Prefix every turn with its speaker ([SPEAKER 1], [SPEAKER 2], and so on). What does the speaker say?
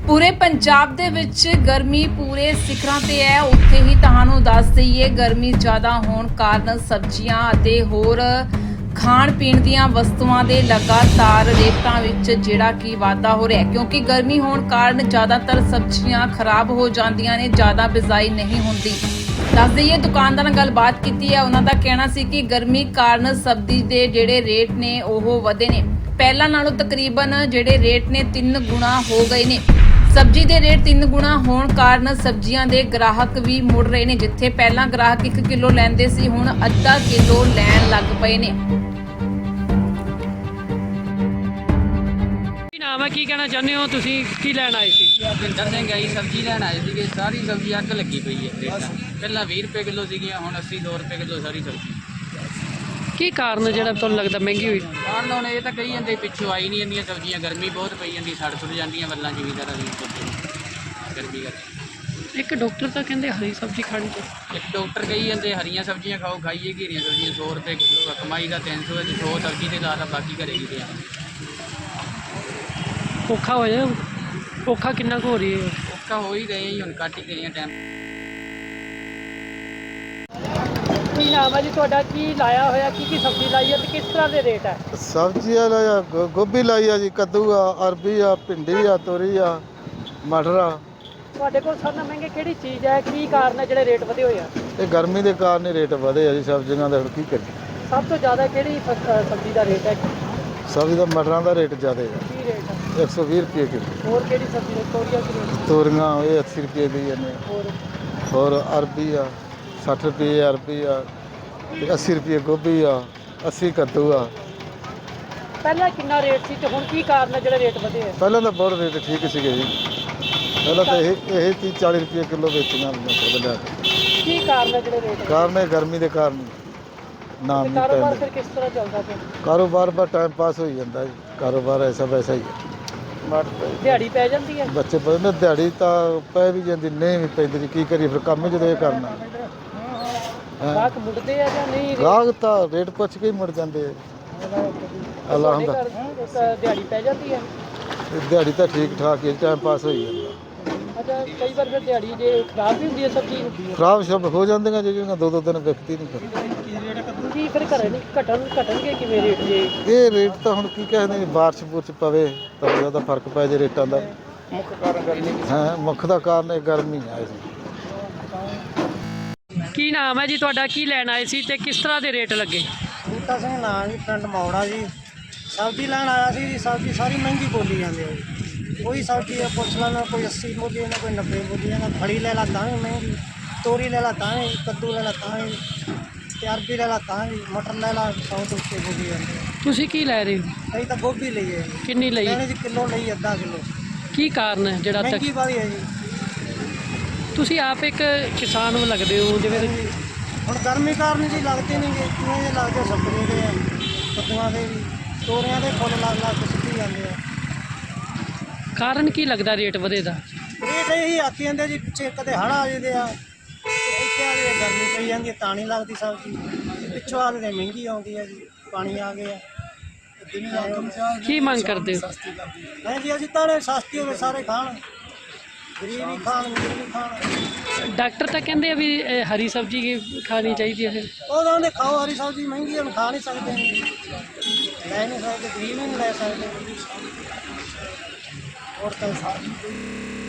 [SPEAKER 1] पूरे पंजाब दे विच गर्मी पूरे सिखरां ते है। उत्थे ही तुहानूं दस दईए गर्मी ज़्यादा होण कारण सब्जियां अते होर खाण पीण दीयां वस्तुआं दे लगातार रेटां विच जिहड़ा कि वाधा हो रहा है, क्योंकि गर्मी होण कारण ज़्यादातर सब्जियां खराब हो जांदियां ने, ज़्यादा बिजाई नहीं हुंदी। दस दईए दुकानदार नाल गलबात कीती है, उन्हां दा कहना सी कि गर्मी कारण सब्जी दे जिहड़े रेट ने ओह वधे ने। ਪਹਿਲਾਂ ਨਾਲੋਂ ਤਕਰੀਬਨ ਜਿਹੜੇ ਰੇਟ ਨੇ 3 ਗੁਣਾ ਹੋ ਗਏ ਨੇ। ਸਬਜ਼ੀ ਦੇ ਰੇਟ 3 ਗੁਣਾ ਹੋਣ ਕਾਰਨ ਸਬਜ਼ੀਆਂ ਦੇ ਗ੍ਰਾਹਕ ਵੀ ਮੁੜ ਰਹੇ ਨੇ। ਜਿੱਥੇ ਪਹਿਲਾਂ ਗ੍ਰਾਹਕ 1 ਕਿਲੋ ਲੈਂਦੇ ਸੀ, ਹੁਣ ਅੱਧਾ ਕਿਲੋ ਲੈਣ ਲੱਗ ਪਏ ਨੇ।
[SPEAKER 2] ਕੀ ਨਾਮ ਹੈ, ਕੀ ਕਹਿਣਾ ਚਾਹੁੰਦੇ ਹੋ ਤੁਸੀਂ, ਕੀ ਲੈਣ ਆਏ ਸੀ?
[SPEAKER 3] ਭਿੰਦਰ ਸਿੰਘ ਆਈ ਸਬਜ਼ੀ ਲੈਣ ਆਏ ਸੀਗੇ। ਸਾਰੀ ਸਬਜ਼ੀ ਅੱਗ ਲੱਗੀ ਪਈ ਹੈ ਰੇਟਾਂ। ਪਹਿਲਾਂ 20 ਰੁਪਏ ਕਿਲੋ ਸੀਗੀਆਂ, ਹੁਣ 80 2 ਰੁਪਏ ਕਿਲੋ ਸਾਰੀ ਸਬਜ਼ੀ।
[SPEAKER 2] ਕੀ ਕਾਰਨ ਜਿਹੜਾ ਤੁਹਾਨੂੰ ਲੱਗਦਾ ਮਹਿੰਗੀ ਹੋਈ?
[SPEAKER 3] ਕਾਰਨ ਹੁਣ ਇਹ ਤਾਂ ਕਹੀ ਜਾਂਦੇ ਪਿੱਛੋਂ ਆਈ ਨਹੀਂ ਜਾਂਦੀਆਂ ਸਬਜ਼ੀਆਂ, ਗਰਮੀ ਬਹੁਤ ਪਈ ਜਾਂਦੀ, ਸੜ ਸੁੜ ਜਾਂਦੀਆਂ ਵੱਲਾਂ ਜ਼ਿਮੀਦਾਰਾਂ ਦੀ ਗਰਮੀ ਕਰਕੇ।
[SPEAKER 2] ਇੱਕ ਡਾਕਟਰ ਤਾਂ ਕਹਿੰਦੇ ਹਰੀ ਸਬਜ਼ੀ ਖਾਣੀ ਚਾਹੀਦੀ।
[SPEAKER 3] ਇੱਕ ਡਾਕਟਰ ਕਹੀ ਜਾਂਦੇ ਹਰੀਆਂ ਸਬਜ਼ੀਆਂ ਖਾਓ, ਖਾਈਏ ਘੀਰੀਆਂ ਸਬਜ਼ੀਆਂ 100 ਰੁਪਏ ਕਿਲੋ, ਕਮਾਈ ਦਾ 300 ਵਿੱਚ 100 ਸਬਜ਼ੀ ਤੇ ਲਾਤਾ, ਬਾਕੀ ਘਰੇ ਕੀ ਦੇ
[SPEAKER 2] ਔਖਾ ਹੋ ਜਾਏ। ਔਖਾ ਕਿੰਨਾ ਕੁ ਹੋ ਰਹੀ ਹੈ?
[SPEAKER 3] ਔਖਾ ਹੋ ਹੀ ਗਏ ਜੀ, ਹੁਣ ਕੱਟ ਹੀ ਗਏ ਆ ਟਾਈਮ।
[SPEAKER 2] ਕੀ ਨਾਮ ਹੈ ਜੀ ਤੁਹਾਡਾ, ਕੀ ਲਾਇਆ ਹੋਇਆ, ਕੀ ਸਬਜ਼ੀ ਲਾਈ ਹੈ ਤੇ ਕਿਸ ਤਰ੍ਹਾਂ ਦੇ ਰੇਟ ਹੈ?
[SPEAKER 4] ਸਬਜ਼ੀਆਂ ਲਾਇਆ ਗੋਭੀ ਲਾਈ ਆ ਜੀ, ਕੱਦੂ ਆ, ਅਰਬੀ ਆ, ਭਿੰਡੀ ਆ, ਤੋਰੀ ਆ, ਮਟਰ ਆ।
[SPEAKER 2] ਤੁਹਾਡੇ ਕੋਲ ਸਾਰਿਆਂ ਨਾਲੋਂ ਮਹਿੰਗੀ ਕਿਹੜੀ ਚੀਜ਼ ਹੈ? ਕੀ ਕਾਰਨ ਹੈ ਜਿਹੜੇ ਰੇਟ ਵਧੇ ਹੋਏ ਆ?
[SPEAKER 4] ਇਹ ਗਰਮੀ ਦੇ ਕਾਰਨ ਹੀ ਰੇਟ ਵਧੇ ਆ ਜੀ ਸਬਜ਼ੀਆਂ ਦੇ। ਹੁਣ ਕੀ ਕਰੀਏ?
[SPEAKER 2] ਸਭ ਤੋਂ ਜ਼ਿਆਦਾ ਕਿਹੜੀ ਸਬਜ਼ੀ ਦਾ ਰੇਟ ਹੈ?
[SPEAKER 4] ਸਬਜ਼ੀ ਦਾ ਮਟਰਾਂ ਦਾ ਰੇਟ ਜ਼ਿਆਦਾ ਹੈ,
[SPEAKER 2] ਕੀ ਰੇਟ ਹੈ?
[SPEAKER 4] 120 ਰੁਪਏ ਕਿਲੋ।
[SPEAKER 2] ਹੋਰ ਕਿਹੜੀ ਸਬਜ਼ੀ ਦਾ? ਤੋਰੀਆਂ ਕੀ ਰੇਟ?
[SPEAKER 4] ਤੋਰੀਆਂ ਇਹ 80 ਰੁਪਏ ਦੀ ਨੇ। ਹੋਰ ਅਰਬੀ ਆ 60 ਰੁਪਏ ਅਰਬੀ ਆ, ਤੇ 80 ਰੁਪਏ ਗੋਭੀ ਆ, 80 ਕੱਦੂ ਆ।
[SPEAKER 2] ਪਹਿਲਾਂ ਕਿੰਨਾ ਰੇਟ ਸੀ ਤੇ ਹੁਣ ਕੀ ਕਾਰਨ ਹੈ ਜਿਹੜੇ ਰੇਟ ਵਧੇ ਆ?
[SPEAKER 4] ਪਹਿਲਾਂ ਤਾਂ ਬਹੁਤ ਰੇਟ ਠੀਕ ਸੀਗੇ ਜੀ। ਪਹਿਲਾਂ ਤਾਂ ਇਹ 30 40 ਰੁਪਏ ਕਿਲੋ ਵੇਚੀਆਂ ਮਟਰ ਲਿਆ ਕੇ।
[SPEAKER 2] ਕੀ ਕਾਰਨ ਹੈ ਜਿਹੜੇ ਰੇਟ?
[SPEAKER 4] ਕਾਰਨ ਇਹ ਗਰਮੀ ਦੇ ਕਾਰਨ ਨਾਮ ਨਹੀਂ
[SPEAKER 2] ਕਾਰੋਬਾਰ
[SPEAKER 4] ਪੈਂਦਾ।
[SPEAKER 2] ਫਿਰ ਕਿਸ ਤਰ੍ਹਾਂ ਚੱਲਦਾ ਪਿਆ?
[SPEAKER 4] ਕਾਰੋਬਾਰ ਬਸ ਟਾਈਮ ਪਾਸ ਹੋਈ ਜਾਂਦਾ ਜੀ। ਕਾਰੋਬਾਰ ਐਸਾ ਵੈਸਾ ਹੀ ਹੈ।
[SPEAKER 2] ਦਿਹਾੜੀ ਪੈ ਜਾਂਦੀ ਹੈ?
[SPEAKER 4] ਬੱਚੇ ਪੜ੍ਹਦੇ ਨੇ, ਦਿਹਾੜੀ ਤਾਂ ਪੈ ਵੀ ਜਾਂਦੀ, ਨਹੀਂ ਵੀ ਪੈਂਦੀ ਜੀ, ਕੀ ਕਰੀਏ ਫਿਰ, ਕੰਮ ਹੀ ਜਦੋਂ ਇਹ ਕਰਨਾ।
[SPEAKER 2] ਗਾਹਕ ਮੁੜਦੇ ਆ ਜਾਂ ਨਹੀਂ?
[SPEAKER 4] ਗਾਹਕ ਤਾਂ ਰੇਟ ਪੁੱਛ ਕੇ ਹੀ ਮੁੜ ਜਾਂਦੇ ਆ। ਅੱਲਾ ਹੁੰਦਾ
[SPEAKER 2] ਦਿਹਾੜੀ ਪੈ ਜਾਂਦੀ ਹੈ?
[SPEAKER 4] ਦਿਹਾੜੀ ਤਾਂ ਠੀਕ ਠਾਕ ਹੀ, ਟਾਈਮ ਪਾਸ ਹੋਈ ਜਾਂਦਾ।
[SPEAKER 2] ਅੱਛਾ, ਕਈ ਵਾਰ ਫਿਰ ਦਿਹਾੜੀ ਜੇ ਖਰਾਬ ਵੀ ਹੁੰਦੀ ਹੈ ਸਬਜ਼ੀ?
[SPEAKER 4] ਖਰਾਬ ਸ਼ਬ ਹੋ ਜਾਂਦੀਆਂ ਜਿਹੜੀਆਂ 2-2 ਦਿਨ ਵਿਕਦੀ ਨਹੀਂ ਫਿਰ।
[SPEAKER 2] ਕੀ ਫਿਰ ਘਰੇ ਨਹੀਂ ਘਟਣਗੇ ਕਿਵੇਂ ਰੇਟ ਜੇ?
[SPEAKER 4] ਇਹ ਰੇਟ ਤਾਂ ਹੁਣ ਕੀ ਕਹਿੰਦੇ, ਬਾਰਿਸ਼ ਬੁਰਸ਼ ਪਵੇ ਤਾਂ ਜ਼ਿਆਦਾ ਫਰਕ ਪੈ ਜੇ ਰੇਟਾਂ ਦਾ।
[SPEAKER 2] ਮੁੱਖ ਕਾਰਨ ਗਰਮੀ
[SPEAKER 4] ਹਾਂ, ਮੁੱਖ ਦਾ ਕਾਰਨ ਇਹ ਗਰਮੀ ਆ ਜੀ।
[SPEAKER 2] ਕੀ ਨਾਮ ਹੈ ਜੀ ਤੁਹਾਡਾ, ਕੀ ਲੈਣ ਆਏ ਸੀ ਤੇ ਕਿਸ ਤਰ੍ਹਾਂ ਦੇ ਰੇਟ ਲੱਗੇ?
[SPEAKER 5] ਬੂਟਾ ਸਿੰਘ ਨਾਂ ਜੀ, ਪਿੰਡ ਮੌੜਾ ਜੀ। ਸਬਜ਼ੀ ਲੈਣ ਆਇਆ ਸੀ ਜੀ। ਸਬਜ਼ੀ ਸਾਰੀ ਮਹਿੰਗੀ ਬੋਲੀ ਜਾਂਦੀ ਹੈ ਜੀ। ਕੋਈ ਸਬਜ਼ੀ ਹੈ ਪੁੱਛ ਲੈਣਾ, ਕੋਈ 80 ਬੋਲੀ ਜਾਂਦਾ, ਕੋਈ 90 ਬੋਲੀ ਜਾਂਦਾ। ਫੜੀ ਲੈ ਲਾ ਤਾਂ ਵੀ ਮਹਿੰਗੀ, ਤੋਰੀ ਲੈ ਲਾ ਤਾਂ ਵੀ, ਕੱਦੂ ਲੈ ਲਾ ਤਾਂ ਵੀ, ਤੇ ਅਰਬੀ ਲੈ ਲਾ ਤਾਂ ਵੀ, ਮਟਰ ਲੈ ਲਾ 100 ਤੋਂ ਉੱਤੇ ਬੋਲੀ ਜਾਂਦੀ ਹੈ।
[SPEAKER 2] ਤੁਸੀਂ ਕੀ ਲੈ ਰਹੇ ਹੋ?
[SPEAKER 5] ਅਸੀਂ ਤਾਂ ਗੋਭੀ ਲਈ ਹੈ ਜੀ।
[SPEAKER 2] ਕਿੰਨੀ ਲਈ?
[SPEAKER 5] ਲੈਣੇ ਜੀ ਕਿਲੋ ਲਈ, ਅੱਧਾ ਕਿਲੋ।
[SPEAKER 2] ਕੀ ਕਾਰਨ ਹੈ ਜਿਹੜਾ ਤੱਕ?
[SPEAKER 5] ਮਹਿੰਗੀ ਵਾਲੀ ਹੈ ਜੀ।
[SPEAKER 2] ਤੁਸੀਂ ਆਪ ਇੱਕ ਕਿਸਾਨ ਨੂੰ ਲੱਗਦੇ ਹੋ ਜਿਵੇਂ?
[SPEAKER 5] ਹੁਣ ਗਰਮੀ ਕਾਰਨ ਜੀ ਲੱਗਦੇ ਨਹੀਂ ਗੇ, ਕਿਵੇਂ ਜੇ ਲੱਗਦੇ ਸਬਜ਼ੀ ਦੇ ਆ, ਕੱਦੂਆਂ ਦੇ ਵੀ, ਤੋਰੀਆਂ ਦੇ ਫੁੱਲ ਲੱਗ ਲੱਗ ਕੇ ਸਿੱਟੀ ਜਾਂਦੇ ਆ।
[SPEAKER 2] ਕਾਰਨ ਕੀ ਲੱਗਦਾ ਰੇਟ ਵਧੇ ਦਾ?
[SPEAKER 5] ਰੇਟ ਇਹੀ ਆਖੀ ਜਾਂਦੇ ਜੀ, ਪਿੱਛੇ ਕਦੇ ਹੜ੍ਹ ਆ ਜਾਂਦੇ ਆ, ਤੇ ਇੱਥੇ ਆ ਕੇ ਗਰਮੀ ਪਈ ਜਾਂਦੀ ਹੈ, ਤਾਂ ਨਹੀਂ ਲੱਗਦੀ ਸਬਜ਼ੀ। ਪਿੱਛੋਂ ਆ ਕੇ ਮਹਿੰਗੀ ਆਉਂਦੀ ਹੈ ਜੀ, ਪਾਣੀ ਆ ਗਿਆ।
[SPEAKER 2] ਕੀ ਮੰਗ ਕਰਦੇ ਹੋ?
[SPEAKER 5] ਨਹੀਂ ਜੀ, ਅਸੀਂ ਤਾਂ ਸਸਤੀ ਹੋਵੇ, ਸਾਰੇ ਖਾਣ, ਗਰੀਬ ਵੀ ਖਾਣ, ਅਮੀਰ ਵੀ ਖਾਣ।
[SPEAKER 2] ਡਾਕਟਰ ਤਾਂ ਕਹਿੰਦੇ ਆ ਵੀ ਹਰੀ ਸਬਜ਼ੀ ਖਾਣੀ ਚਾਹੀਦੀ ਹੈ।
[SPEAKER 5] ਉਹ ਕਹਿੰਦੇ ਖਾਓ ਹਰੀ ਸਬਜ਼ੀ, ਮਹਿੰਗੀ ਹੈ, ਹੁਣ ਖਾ ਨਹੀਂ ਸਕਦੇ, ਲੈ ਨਹੀਂ ਸਕਦੇ, ਗਰੀਬ ਵੀ ਨਹੀਂ ਲੈ ਸਕਦੇ। ਹੋਰ ਤਾਂ